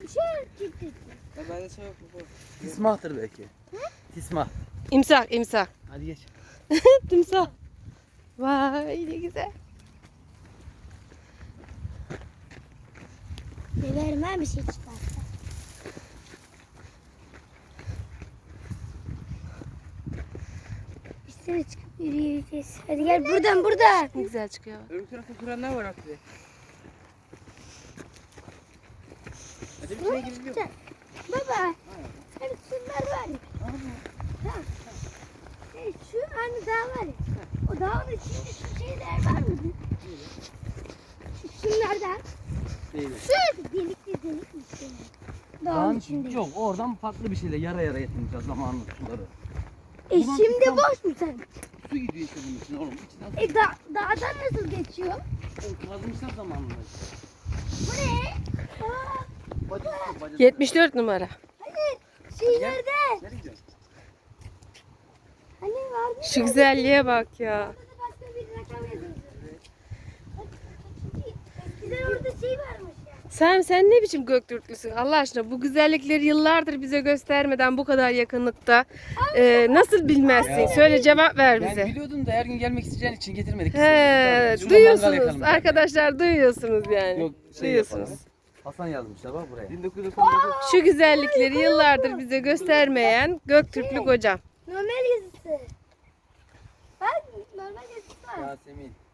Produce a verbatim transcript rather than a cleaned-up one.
şey çıktı. Ya ben de şey yok bu. Tismahtır belki. Hı? Tismah. İmsak, imsak. Hadi geç. Timsah. Vay ne güzel. Severim ben bir şey çıkarsa. Üstüne çıkıp yürüyeceğiz. Hadi gel buradan buradan. Ne güzel çıkıyor. Öbür tarafta kuranlar var Aklı. Hadi bir şeye girelim. Baba. Hani şunlar var ya. Ha. Şey, şu hani dağ var ya. O dağın içinde şu şeyler var mı? Şu şunlardan. Değil. Şu delikli delikli şeyler. Dağın Dağın içinde. yok, oradan farklı bir şeyle yara yara yetineceğiz zamanında suları. E Ulan şimdi İstanbul- boş mu sen? Su gidiyor işte bunun için oğlum. İçinden E da dağdan nasıl geçiyor? su kazmışlar zamanında. Bu ne? Aa, Bacası, bacası. yetmiş dört numara. hayır. Şey nerede? Nereye gidiyorsun? Hani vardı. Şu güzelliğe bak ya. Orada da başka bir rakam yazıldı. Eskiden orada şey varmış ya. Sen sen ne biçim Göktürklüsün Allah aşkına, bu güzellikleri yıllardır bize göstermeden bu kadar yakınlıkta e, nasıl bilmezsin? Ya. Söyle, cevap ver Ben bize. biliyordum da her gün gelmek isteyeceğin için getirmedik. He, Şurada mangal duyuyorsunuz yakalım yani. arkadaşlar, duyuyorsunuz yani. Yok şey Duyuyorsunuz. yapalım. Hasan yazmışlar bak buraya. bin dokuz yüz doksan dokuz. Şu güzellikleri yıllardır bize göstermeyen Göktürklü kocam. Normal yazısı. Bak normal yazısı var. Yasemin.